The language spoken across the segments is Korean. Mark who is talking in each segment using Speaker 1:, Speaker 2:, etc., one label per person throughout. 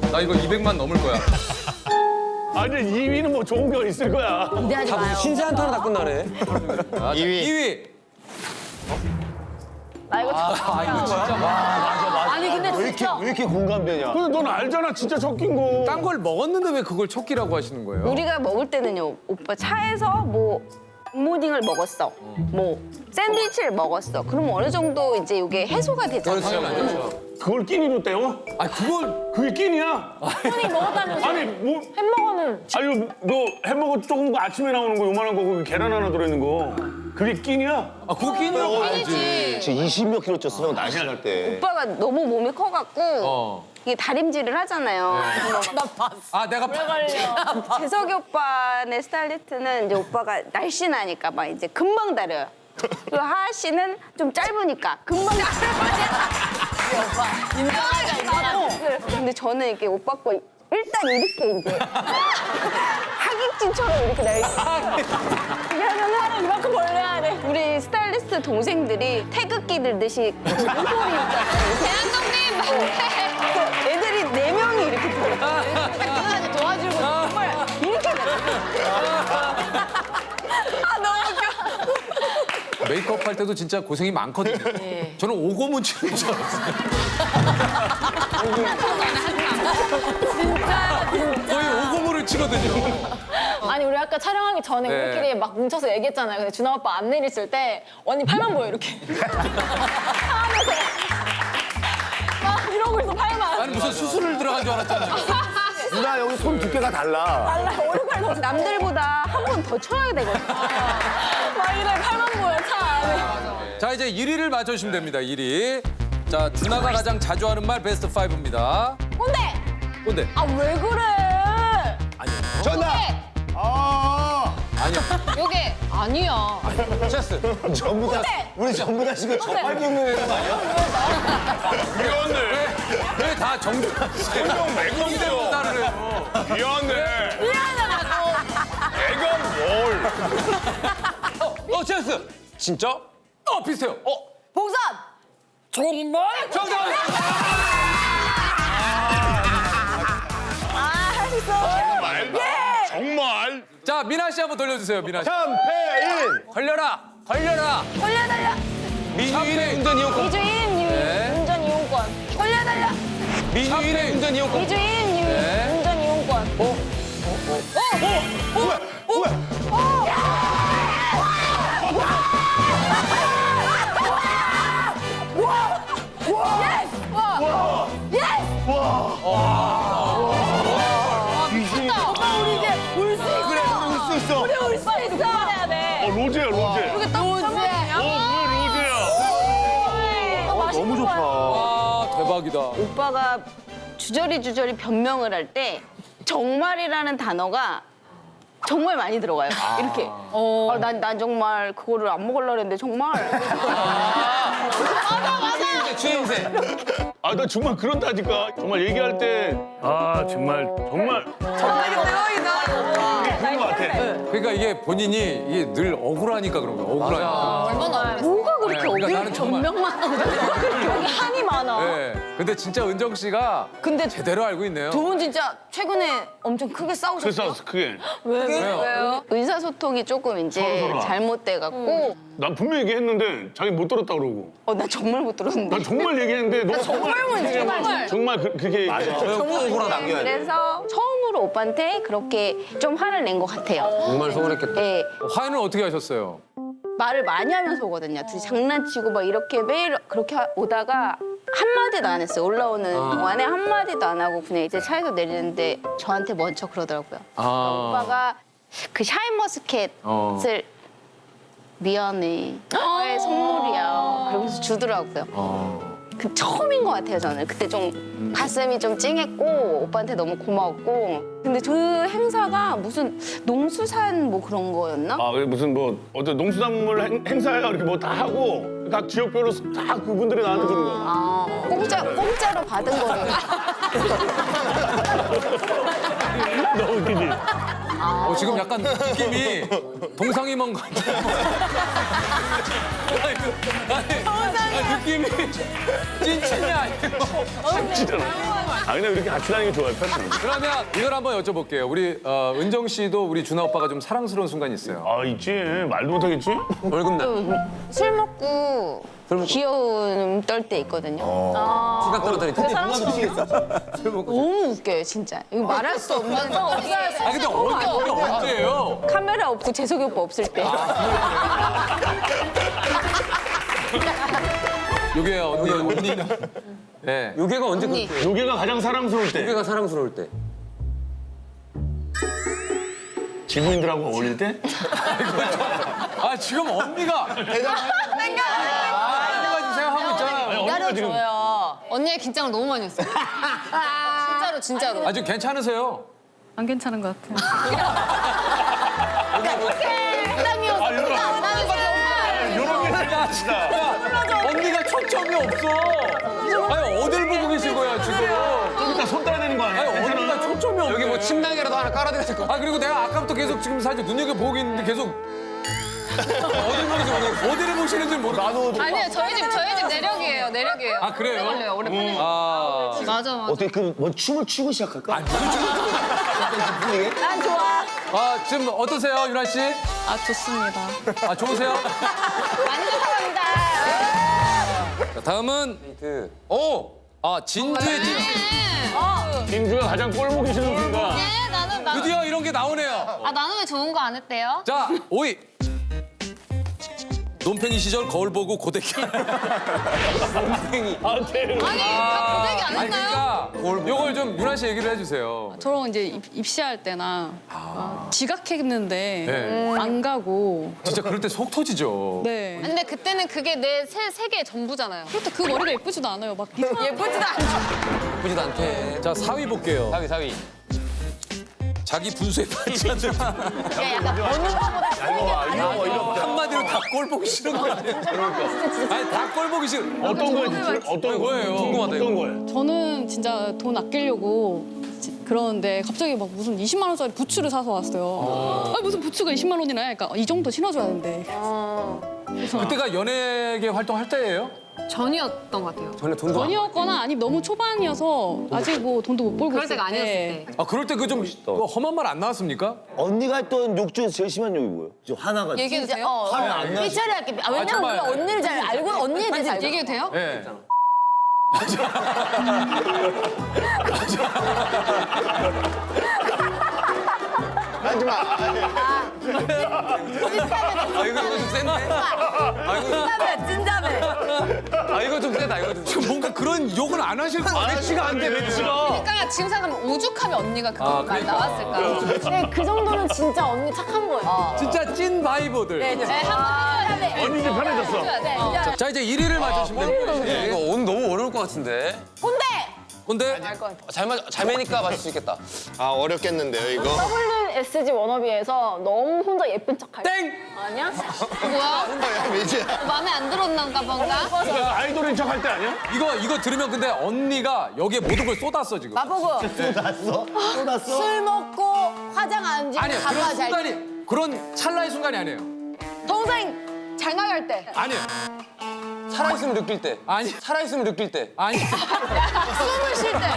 Speaker 1: 나 이거 200만 넘을 거야.
Speaker 2: 아니 2위는 뭐 좋은 거 있을 거야.
Speaker 3: 기대하지 마요.
Speaker 4: 신세 한타로 다 끝나네.
Speaker 1: 2위.
Speaker 3: 나 이거
Speaker 1: 이거 진짜
Speaker 3: 아니 근데 진짜
Speaker 5: 왜 이렇게 공감되냐?
Speaker 2: 근데 넌 알잖아 진짜 섞인 거.
Speaker 1: 딴 걸 먹었는데 왜 그걸 척기라고 하시는 거예요?
Speaker 6: 우리가 먹을 때는요, 오빠 차에서 뭐 굿모닝을 먹었어, 뭐 샌드위치를 먹었어. 그러면 어느 정도 이제 이게 해소가 되잖아.
Speaker 1: 그렇죠.
Speaker 2: 그걸 끼니로 때워?
Speaker 1: 아 그걸
Speaker 2: 그게 끼니야?
Speaker 3: 손이 먹었다면서
Speaker 2: 아니 뭐
Speaker 3: 햄버거는
Speaker 2: 아니 너 햄버거 조금 거 아침에 나오는 거 요만한 거 거기 계란 하나 들어있는 거 그게 끼니야?
Speaker 1: 그거 끼니라고 알지.
Speaker 5: 진짜 20몇 킬로 쪘어, 형 날씨 날 때.
Speaker 6: 오빠가 너무 몸이 커갖고 이게 다림질을 하잖아요. 그래서 막
Speaker 1: 아 내가
Speaker 6: 재석이 오빠네 스타일리스트는 이제 오빠가 날씬하니까 막 이제 금방 다려요. 그리고 하하 씨는 좀 짧으니까 금방 다려요. 근데 저는 이렇게 오빠 거 일단 이렇게 이제 하객진처럼 이렇게 그렇게 하면은 이만큼 벌려야 돼. 우리 스타일리스트 동생들이 태극기 들듯이 목소리 있잖아요. 대한독립! 애들이 4명이 이렇게 들어요. 끝까지 도와주고 정말 이렇게 돼요. 아 너무 웃겨.
Speaker 1: 메이크업 할 때도 진짜 고생이 많거든요. 저는 오고문 치는 줄 알았어요. 거의 오고문을 치거든요.
Speaker 3: 아니 우리 아까 촬영하기 전에
Speaker 1: 네.
Speaker 3: 우리끼리 막 뭉쳐서 얘기했잖아요. 근데 준하 오빠 안 내리실 때 언니 팔만 보여 이렇게. 하면서 막 이러고 있어 팔만.
Speaker 1: 아니 무슨 수술을 들어간 줄 알았잖아요.
Speaker 5: 누나 여기 손 두께가 달라.
Speaker 3: 달라 오른팔 더
Speaker 6: 남들보다 한 번 더 쳐야 되거든.
Speaker 3: 막 이래 팔만 보여 차 안에.
Speaker 1: 자 이제 1위를 맞춰주시면 됩니다. 1위. 자 준하가 가장 자주 하는 말 베스트 5입니다.
Speaker 3: 근데
Speaker 1: 근데
Speaker 3: 아 왜 그래?
Speaker 5: 전화! 아,
Speaker 1: 아니야.
Speaker 3: 요게 아니야.
Speaker 1: 체스.
Speaker 5: 전부 다, 우리 전부 다 지금 저팔 겪는 애거 아니야?
Speaker 2: 미안해.
Speaker 1: 왜 다 정준하 씨?
Speaker 2: 형 맥건데요.
Speaker 1: 따를 해요.
Speaker 2: 미안해.
Speaker 3: 미안하다고.
Speaker 2: 애가 뭘?
Speaker 1: 체스. 진짜? 비슷해요.
Speaker 3: 봉선. 정말?
Speaker 1: 정답.
Speaker 2: 정말?
Speaker 1: 자 미나 씨 한번 돌려주세요. 미나 씨.
Speaker 5: 샴페인!
Speaker 1: 걸려라. 걸려라.
Speaker 6: 걸려달라.
Speaker 1: 민주인의 운전 이용권.
Speaker 6: 이주인
Speaker 1: 네.
Speaker 6: 운전 이용권. 걸려달라.
Speaker 1: 민주인의 운전 이용권.
Speaker 6: 이주인
Speaker 1: 네.
Speaker 6: 운전 이용권.
Speaker 3: 오빠 우리 이제 울 수 있어.
Speaker 5: 그래, 울 수 있어.
Speaker 3: 우리 울 수 있어. 해야 돼.
Speaker 2: 로제야 로제.
Speaker 3: 이렇게 딱 로제야.
Speaker 2: 왜 로제야?
Speaker 5: 너무 좋다.
Speaker 1: 아 대박이다.
Speaker 6: 오빠가 주저리 변명을 할 때 정말이라는 단어가 정말 많이 들어가요. 이렇게. 난 정말 그거를 안 먹으려고 했는데 정말.
Speaker 1: 추임새.
Speaker 2: 아 나 정말 그런다니까. 정말 얘기할 때 아 정말 그런 거 같아.
Speaker 1: 그러니까 이게 본인이 이게 늘 억울하니까 그런 거야. 억울하니까.
Speaker 3: 얼마나
Speaker 6: 뭐가 그렇게
Speaker 1: 그러니까
Speaker 6: 어려운
Speaker 1: 나는 정말.
Speaker 6: 변명만 하고
Speaker 3: 여기 한이 많아.
Speaker 1: 네. 근데 진짜 은정 씨가
Speaker 6: 근데
Speaker 1: 제대로 알고 있네요.
Speaker 6: 두 분 진짜 최근에 엄청 크게
Speaker 2: 그래서
Speaker 6: 싸우셨어요?
Speaker 2: 크게.
Speaker 1: 왜요?
Speaker 6: 의사소통이 조금 이제
Speaker 2: 서로서로.
Speaker 6: 잘못돼갖고
Speaker 2: 난 분명히 얘기했는데 자기 못 들었다 그러고.
Speaker 6: 나 정말 못 들었는데.
Speaker 2: 난 정말 얘기했는데 너 정말 그렇게 얘기해.
Speaker 5: 꼭 억울하 남겨야 돼.
Speaker 6: 그래서 처음으로 오빠한테 그렇게 좀 화를 낸 것 같아요.
Speaker 4: 정말 서운했겠다.
Speaker 6: 네,
Speaker 1: 화해는 어떻게 하셨어요?
Speaker 6: 말을 많이 하면서 오거든요. 둘이 장난치고 막 이렇게 매일 그렇게 오다가 한마디도 안 했어요. 올라오는 동안에 한마디도 안 하고 그냥 이제 차에서 내리는데 저한테 먼저 그러더라고요. 오빠가 그 샤인머스켓을 미안해. 나의 선물이야. 그러면서 주더라고요. 그 처음인 것 같아요, 저는. 그때 좀 가슴이 좀 찡했고 오빠한테 너무 고마웠고. 근데 그 행사가 무슨 농수산 뭐 그런 거였나?
Speaker 2: 아, 그게 무슨 뭐 어떤 농수산물 행사야 이렇게 뭐 다 하고 각 지역별로 다 그분들이 나한테 주는 거.
Speaker 6: 공짜로 받은 거를.
Speaker 2: 너무 웃기지?
Speaker 1: 지금 약간 느낌이 동상이몽 같아요. 아니, 느낌이 찐친이 아니고.
Speaker 2: 진짜로. 아 그냥 이렇게 같이 다니는 게 좋아요. 편하게.
Speaker 1: 그러면 이걸 한번 여쭤볼게요. 우리 은정 씨도 우리 준하 오빠가 좀 사랑스러운 순간이 있어요.
Speaker 2: 아 있지. 말도 못하겠지?
Speaker 6: 술 먹고 귀여운 떨 때 있거든요.
Speaker 5: 수갑 떨어뜨리지.
Speaker 6: 너무 웃겨요, 진짜. 이거 말할 수 없는.
Speaker 1: 아 근데 언제예요?
Speaker 6: 카메라 없고 재석이 오빠 없을 때.
Speaker 1: 요게요, 언니는. 네.
Speaker 5: 요게가 언제
Speaker 6: 언니.
Speaker 5: 그렇게?
Speaker 2: 요게가 가장 사랑스러울 때.
Speaker 5: 요게가 사랑스러울 때.
Speaker 2: 지구인들하고 어울릴 때?
Speaker 1: 아 지금 언니가 언니가 지금 생각하고 있잖아요.
Speaker 2: 언니가 지금
Speaker 3: 언니의 긴장을 너무 많이 했어요. 진짜로.
Speaker 1: 아 지금 괜찮으세요?
Speaker 4: 안 괜찮은 것 같아요.
Speaker 2: 이런 게 진짜.
Speaker 1: 언니가 초점이 없어. 아니 어딜 보고 계신 거야 지금?
Speaker 2: 좀 이따 손 따야 되는 거 아니야?
Speaker 1: 아니 언니가 초점이 없네.
Speaker 5: 여기 뭐 침낭이라도 하나 깔아드려야 될 것 같아.
Speaker 1: 아 그리고 내가 아까부터 계속 지금 사실 눈여겨보고 있는데 계속 어딜 보는지 모르겠어. 어디를 보시는지 모르겠어. 나도.
Speaker 3: 아니요, 저희 집 내력이에요.
Speaker 1: 아 그래요?
Speaker 3: 오래 걸려요, 오래 걸려요.
Speaker 1: 아.
Speaker 3: 맞아.
Speaker 5: 어떻게 뭐 춤을 추고 시작할까?
Speaker 6: 난 좋아.
Speaker 1: 아 지금 어떠세요 유나 씨?
Speaker 4: 아, 좋습니다.
Speaker 1: 아 좋으세요?
Speaker 6: 완전 사랑합니다.
Speaker 1: 자, 다음은
Speaker 5: 그
Speaker 1: 진주의 진.
Speaker 2: 진주가 가장 꼴 보기 싫은 순간.
Speaker 3: 네, 나는
Speaker 1: 드디어 이런 게 나오네요.
Speaker 3: 나는 왜 좋은 거 안 했대요?
Speaker 1: 자 5위. 논팽이 시절 거울 보고 고데기.
Speaker 2: 아, 대
Speaker 3: 아니, 다 고데기 안
Speaker 1: 아니
Speaker 3: 했나요?
Speaker 1: 그러니까 요걸 좀 유나 씨 얘기를 해주세요.
Speaker 4: 저랑 이제 입시할 때나 지각했는데
Speaker 1: 네.
Speaker 4: 안 가고.
Speaker 1: 진짜 그럴 때 속 터지죠.
Speaker 4: 네.
Speaker 3: 근데 그때는 그게 내 세계 전부잖아요.
Speaker 4: 그렇다 그 머리가 예쁘지도 않아요. 막 이상한
Speaker 6: 예쁘지도 않죠.
Speaker 5: 예쁘지도 않대.
Speaker 1: 자 4위 볼게요.
Speaker 5: 4위.
Speaker 1: 자기 분수에 맞지 않는
Speaker 6: 약간 버는 거보다
Speaker 1: 한마디로 다 꼴 보기 싫은 거 아니에요? 아니 다 꼴 보기 싫어.
Speaker 2: 어떤 거예요? 어떤
Speaker 1: 거예요?
Speaker 2: 궁금하다. 어떤 거예요?
Speaker 4: 저는 진짜 돈 아끼려고 그러는데 갑자기 막 무슨 20만 원짜리 부츠를 사서 왔어요. 아, 무슨 부츠가 20만 원이나 해? 그러니까 이 정도 신어줘야 되는데.
Speaker 1: 그때가 연예계 활동할 때예요?
Speaker 3: 전이었던 것 같아요.
Speaker 5: 전에 돈도 안
Speaker 4: 전이었거나 아니 너무 초반이어서 아직 뭐 돈도 못 벌고
Speaker 3: 그럴
Speaker 4: 있을
Speaker 3: 때가 아니었을 때.
Speaker 1: 아 그럴 때 그 좀 험한 말 안 나왔습니까?
Speaker 5: 언니가 했던 욕 중에서 제일 심한 욕이 뭐예요? 저 화나가.
Speaker 3: 얘기해도 돼요?
Speaker 5: 화면 안 나지.
Speaker 6: 삐처리 할게. 왜냐면
Speaker 1: 정말.
Speaker 6: 우리가 언니를 잘 알고 언니에 대해서 알고.
Speaker 3: 얘기해도 돼요?
Speaker 1: 예.
Speaker 2: 하지 마.
Speaker 5: 아 이거 좀 센데? 아 이거
Speaker 6: 찐자매.
Speaker 5: 아 이거 좀 세다. 이거 좀.
Speaker 1: 지금 뭔가 그런 욕은 안 하실 거 같아요.
Speaker 2: 매치가 안 돼, 매치가.
Speaker 3: 그러니까 지금 생각하면 오죽하면 언니가 그런 말
Speaker 1: 그러니까.
Speaker 3: 나왔을까?
Speaker 6: 네, 그 정도는 진짜 언니 착한 거예요.
Speaker 1: 진짜 찐 바이버들.
Speaker 3: 네, 한번 해야 돼.
Speaker 2: 언니 이제 편해졌어.
Speaker 3: 네.
Speaker 1: 자 이제 1위를 맞추시면 되는 거예요.
Speaker 5: 이거 오늘 너무 어려울 것 같은데.
Speaker 6: 근데
Speaker 1: 근데
Speaker 5: 잘 매니까 맞을 수 있겠다.
Speaker 2: 아 어렵겠는데요 이거.
Speaker 6: WSG 워너비에서 너무 혼자 예쁜 척 할 때.
Speaker 1: 땡!
Speaker 6: 아니야?
Speaker 3: 뭐야?
Speaker 2: 뭐야 매지야.
Speaker 3: 마음에 안 들었는가 뭔가?
Speaker 2: 그러니까 아이돌인 척 할 때 아니야?
Speaker 1: 이거 들으면 근데 언니가 여기에 모든 걸 쏟았어 지금.
Speaker 6: 마보고
Speaker 5: 쏟았어?
Speaker 6: 술 먹고 화장 안 지고
Speaker 1: 아니요
Speaker 6: 가봐
Speaker 1: 그런
Speaker 6: 잘
Speaker 1: 순간이 그런 찰나의 순간이 아니에요.
Speaker 6: 동생 잘 나갈 때
Speaker 1: 아니에요.
Speaker 5: 살아있으면 느낄 때.
Speaker 1: 아니
Speaker 5: 살아있으면 느낄 때.
Speaker 1: 아니
Speaker 6: 숨을 쉴 때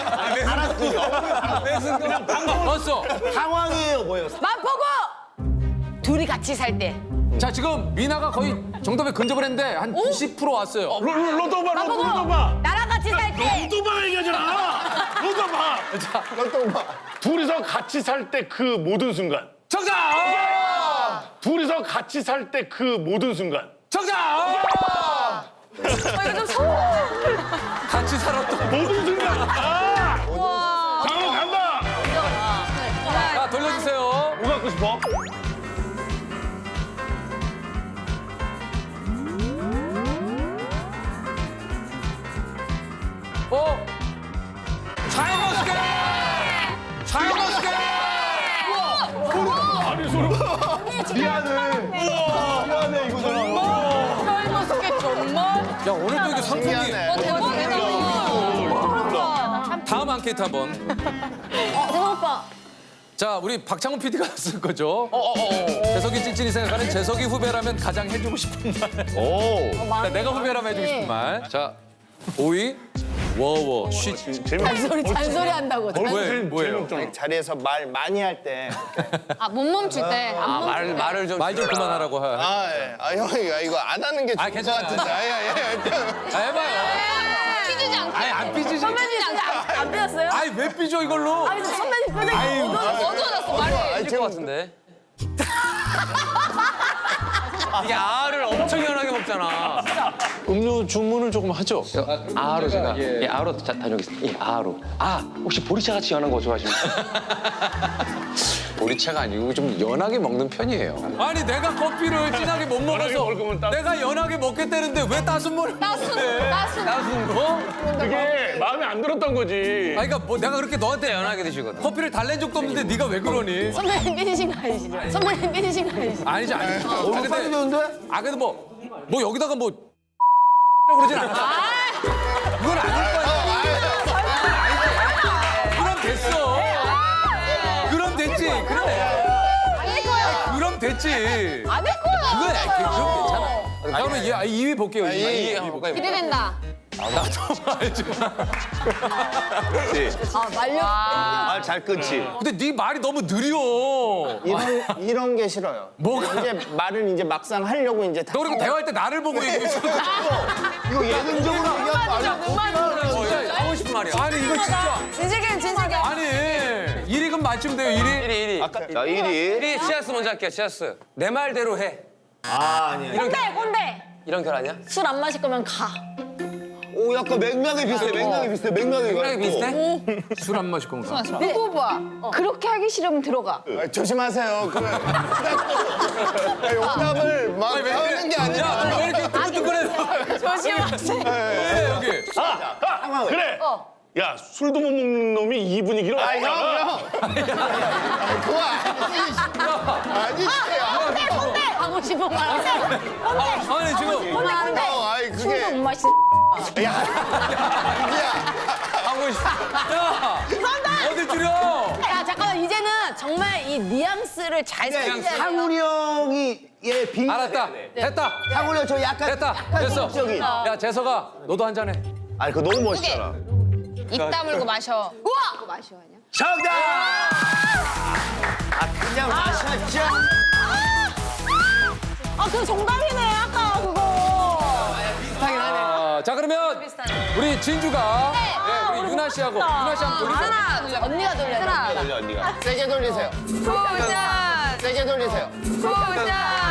Speaker 5: 그냥
Speaker 1: 봤어.
Speaker 5: 상황이에요, 뭐예요?
Speaker 6: 마보고 둘이 같이 살 때
Speaker 1: 자 지금 미나가 거의 정답에 근접을 했는데 한 90% 왔어요.
Speaker 2: 로또바.
Speaker 6: 나랑 같이 살 때
Speaker 2: 로또바가 얘기하잖아. 로또바. 둘이서 같이 살 때 그 모든 순간.
Speaker 1: 정답!
Speaker 2: 둘이서 같이 살 때 그 모든 순간.
Speaker 1: 정답! 같이 살았던.
Speaker 2: 모든 순간. 강으로 간다.
Speaker 1: 자 돌려주세요.
Speaker 2: 뭐 갖고 싶어?
Speaker 1: 샤이머스케! 샤이머스케!
Speaker 2: 아니 소름. 미안해 이거잖아.
Speaker 6: 젊었게 정말
Speaker 1: 야 오늘도 이게 상품이. 다음 앙케이트 한번.
Speaker 6: 대박 오빠
Speaker 1: 자 우리 박창훈 PD가 쓸 거죠. 재석이 찐찐이 생각하는 재석이 후배라면 가장 해주고 싶은 말.
Speaker 2: 오.
Speaker 1: 자, 내가 후배라면 해주고 싶은 말. 자 5위 워워 쉬.
Speaker 3: 잔소리 한다고.
Speaker 1: 뭐예요?
Speaker 2: 재미없잖아.
Speaker 5: 자리에서 말 많이 할 때.
Speaker 4: 아, 못 멈출 때. 안 멈출 때.
Speaker 1: 말을 좀 그만하라고 하.
Speaker 5: 아, 예. 아, 형이 이거 안 하는 게 좋을 것
Speaker 1: 괜찮아요.
Speaker 5: 같은데.
Speaker 1: 해봐요.
Speaker 4: 삐지지 않게.
Speaker 1: 아니 안 삐지지.
Speaker 3: 선배님 진짜 안 삐졌어요?
Speaker 1: 아니 왜 삐져 이걸로?
Speaker 3: 아니 선배님 표정이
Speaker 4: 어두워졌어, 말이.
Speaker 5: 지금
Speaker 1: 같은데. 이게 알을 엄청 연하게 먹잖아.
Speaker 7: 음료 주문을 조금 하죠. 아로 제가 아로 다녀오겠습니다. 예, 아로. 아 혹시 보리차 같이 연한 거 좋아하십니까? 보리차가 아니고 좀 연하게 먹는 편이에요.
Speaker 1: 아니 내가 커피를 진하게 못
Speaker 2: 연하게
Speaker 1: 먹어서
Speaker 2: 먹을 거면 따-
Speaker 1: 내가 연하게 먹겠다는데 왜 따순 물? 따순 거?
Speaker 2: 그게 마음에 안 들었던 거지.
Speaker 1: 아니 그러니까 뭐 내가 그렇게 너한테 연하게 드시거든. 커피를 달랜 적도 없는데 네가 왜 그러니?
Speaker 3: 선배님 삐지신 거 아니시죠? 선배님 삐지신 거 아니시죠?
Speaker 1: 아니지 아니지.
Speaker 5: 얼굴 빨개졌는데?
Speaker 1: 아 그래도 뭐 여기다가 뭐 그러진 않아. 그건 아닐 거야. 그럼 됐어. 그럼 됐지. 그래.
Speaker 3: 아닐 거예요.
Speaker 1: 그럼 됐지.
Speaker 3: 안할 거예요.
Speaker 1: 그건 그럼 괜찮아. 아, 그러면 2위 볼게요. 2위 한번 볼까요?
Speaker 3: 기대된다.
Speaker 1: 나도 알지.
Speaker 3: 아 말려.
Speaker 5: 말 잘 끊지.
Speaker 1: 근데 네 말이 너무 느려.
Speaker 5: 이런 게 싫어요.
Speaker 1: 뭐가?
Speaker 5: 이제 말을 이제 막상 하려고 이제 다.
Speaker 1: 너 그리고 대화할 때 나를 보고 얘기했어.
Speaker 5: 이거 예능적으로 얘기하는 거 아니야?
Speaker 1: 진짜 하고 싶은 말이야. 아니 이거 진짜.
Speaker 3: 진실게.
Speaker 1: 아니 1위금 맞추면 돼요 1위.
Speaker 5: 아까 나 1위.
Speaker 8: 1위 치아스 먼저 할게요. 치아스. 내 말대로 해.
Speaker 5: 아, 아니야.
Speaker 3: 꼰대.
Speaker 8: 이런 결 아니야?
Speaker 3: 술 안 마실 거면 가.
Speaker 5: 오, 약간 맥락이 비슷해. 맥락이 비슷해.
Speaker 8: 생각이 비슷해?
Speaker 1: 술 안 마실 건가?
Speaker 6: 누구 봐. 그렇게 하기 싫으면 들어가.
Speaker 5: 조심하세요. 그 오답을 막 하는 게 아니라.
Speaker 1: 야, 너 왜 이렇게 뜨끈뜨끈해?
Speaker 3: 조심하세요.
Speaker 1: 왜 여기?
Speaker 2: 그래. 야 술도 못 먹는 놈이 이 분위기로.
Speaker 5: 아, 형. 그거 아니지.
Speaker 3: 꼰대. 하고 싶은 말.
Speaker 1: 아니 지금
Speaker 3: 꼰대.
Speaker 5: 아이, 그게.
Speaker 3: 술도 못 마시.
Speaker 5: 야.
Speaker 1: 하고 있어. 야, 어딜 줄여?
Speaker 3: 야 잠깐만 이제는 정말 이 뉘앙스를 잘 살려야 돼요.
Speaker 5: 상훈이 형이 빙.
Speaker 1: 알았다. 됐다.
Speaker 5: 상훈이 형 저 약간.
Speaker 1: 됐다.
Speaker 5: 약간
Speaker 1: 됐어.
Speaker 5: 적인.
Speaker 1: 야 재석아, 너도 한 잔 해.
Speaker 5: 아니, 그거 너무 멋있잖아.
Speaker 3: 입 다물고 마셔. 우와.
Speaker 5: 정답! 아, 그냥 마셨죠?
Speaker 3: 아 그 정답이네 아까 그거.
Speaker 1: 자 그러면 우리 진주가 우리 유나 씨하고 유나 씨 한번 돌리세요.
Speaker 3: 하나 언니가 돌려.
Speaker 5: 돌려, 언니가. 세게 돌리세요.
Speaker 3: 쿠션.
Speaker 5: 세게 돌리세요.
Speaker 3: 쿠션.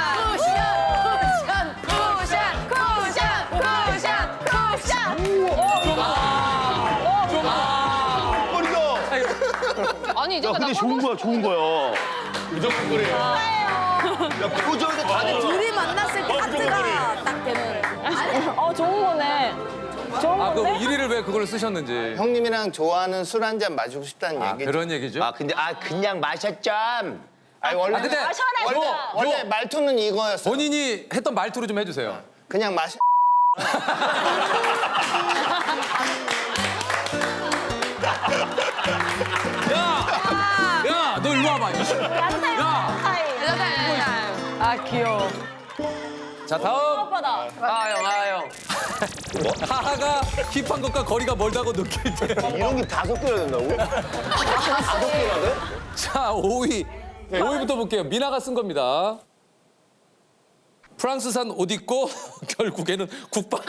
Speaker 5: 머리가.
Speaker 4: 아니, 이제 나
Speaker 2: 근데 좋은 거야, 좋은 거야. 무조건 그래.
Speaker 5: 야, 표정에서 다들.
Speaker 3: 둘이 만났을 때 하트가 딱 되는. 좋은 거네. 좋은
Speaker 1: 아, 그
Speaker 3: 건데?
Speaker 1: 1위를 왜 그걸 쓰셨는지.
Speaker 5: 형님이랑 좋아하는 술 한 잔 마시고 싶다는
Speaker 1: 아,
Speaker 5: 얘기죠.
Speaker 1: 그런 얘기죠?
Speaker 5: 근데 그냥 마셨죠. 아니 원래
Speaker 1: 아, 근데
Speaker 5: 원래 말투는 이거였어.
Speaker 1: 본인이 했던 말투로 좀 해주세요.
Speaker 5: 그냥 마셔.
Speaker 1: 야, 너 일로 와봐. 야,
Speaker 3: 아 귀여워.
Speaker 1: 자 다음
Speaker 3: 오빠다.
Speaker 8: 아형.
Speaker 1: 하하가 힙한 것과 거리가 멀다고 느낄 때.
Speaker 5: 이런 게 5개나 된다고? 5개나 돼?
Speaker 1: 자 5위부터 볼게요. 미나가 쓴 겁니다. 프랑스산 옷 입고 결국에는 국밥.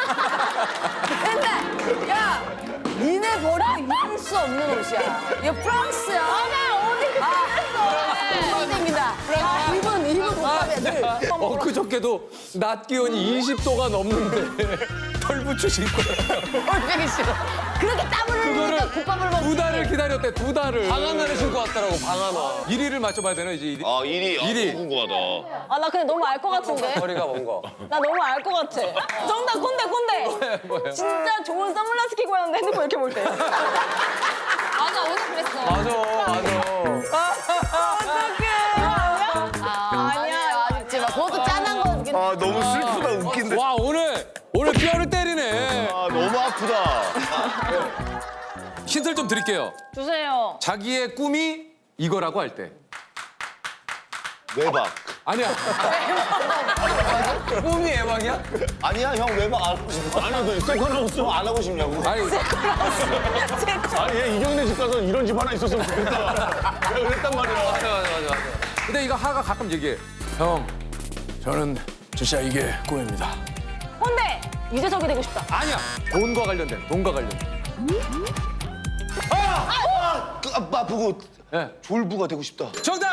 Speaker 3: 근데 야 니네 버리고 입을 수 없는 옷이야. 이거 프랑스야. 맞아 어디 그랬어. 땡긴다. 입은 국밥이야 늘.
Speaker 1: 그저께도 낮 기온이 20도가 넘는데 털 붙이신 거예요.
Speaker 3: 얼마나 싫어. 그렇게 땀을 흘리니까 국밥을 먹고.
Speaker 1: 2달을 기다렸대. 2달을.
Speaker 8: 방하나를 신고 왔더라고 방하나.
Speaker 1: 1위를 맞춰봐야 되나 이제 1위?
Speaker 2: 아 1위.
Speaker 1: 일위.
Speaker 2: 궁금하다.
Speaker 3: 아 나 근데 너무 알 것 같은데.
Speaker 8: 머리가 먼 거.
Speaker 3: 나 너무 알 것 같아. 정답 꼰대.
Speaker 1: 뭐예요?
Speaker 3: 진짜 좋은 선글라스 끼고 왔는데 핸드폰 이렇게 볼 때.
Speaker 4: 맞아, 오늘 그랬어.
Speaker 8: 맞아.
Speaker 3: 어떡해. 아니야 아직지 마. 그것도 짠한 거긴.
Speaker 5: 아 너무 슬프다 웃긴데.
Speaker 1: 와 오늘 뼈를 때리네.
Speaker 5: 아 너무 아프다.
Speaker 1: 힌트를 좀 드릴게요.
Speaker 3: 주세요.
Speaker 1: 자기의 꿈이 이거라고 할 때.
Speaker 5: 외박.
Speaker 1: 아니야.
Speaker 8: 꿈이 애방이야?
Speaker 5: 아니야, 형 외박 안 하고 싶어.
Speaker 2: 아니 너 세컨하우스
Speaker 5: 안 하고 싶냐고.
Speaker 1: 아니,
Speaker 2: 아니 얘 이경래 집 가서 이런 집 하나 있었으면 좋겠다. 내가 그랬단 말이야.
Speaker 8: 맞아.
Speaker 1: 근데 이거 하가 가끔 얘기해. 형, 저는 진짜 이게 꿈입니다.
Speaker 6: 근데 유재석이 되고 싶다.
Speaker 1: 아니야. 돈과 관련된.
Speaker 5: 아프고
Speaker 1: 예.
Speaker 5: 졸부가 되고 싶다.
Speaker 1: 정답!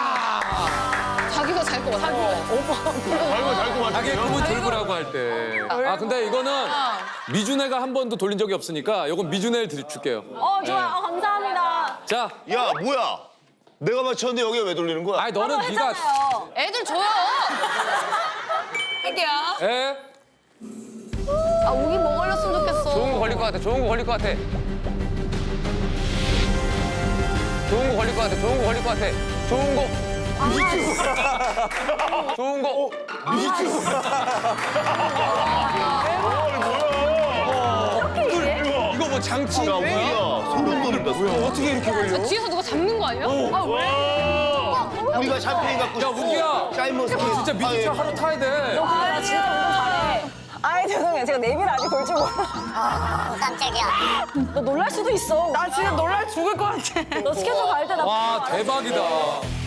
Speaker 4: 자기가 잘 것 같아.
Speaker 2: 잘고
Speaker 1: 자기의
Speaker 2: 맞추네요.
Speaker 1: 꿈은 돌고라고 할 때. 아, 근데 이거는 미준애가 한 번도 돌린 적이 없으니까 이건 미준애를 줄게요.
Speaker 6: 좋아. 감사합니다.
Speaker 1: 자,
Speaker 5: 야, 뭐야? 내가 맞췄는데 여기에 왜 돌리는 거야?
Speaker 1: 아니 너는 네가
Speaker 4: 애들 줘요.
Speaker 6: 할게요.
Speaker 1: 에?
Speaker 4: 아, 우기 뭐 걸렸으면 좋겠어.
Speaker 8: 좋은 거 걸릴 것 같아. 좋은 거 걸릴 것 같아. 좋은 거 걸릴 것 같아. 좋은 거 걸릴 것 같아. 좋은 거. 좋은 거.
Speaker 5: 이거 뭐 장치? 야, 우리야. 소름 돋는다. 어떻게 이렇게 걸려?
Speaker 4: 뒤에서 누가 잡는 거 아니야? 아, 왜?
Speaker 5: 우리가 샴페인 갖고
Speaker 1: 야,
Speaker 5: 싶고.
Speaker 1: 우기야.
Speaker 5: 샤인머스켓.
Speaker 1: 진짜 미준차 하루 타야 돼.
Speaker 6: 나 진짜 운동 잘해. 아이, 죄송해요. 제가 내비를 아직 볼 줄 몰라.
Speaker 3: 깜짝이야.
Speaker 6: 너 놀랄 수도 있어. 나 진짜 놀랄 죽을 것 같아. 너 스케줄 갈 때 나.
Speaker 1: 와, 대박이다.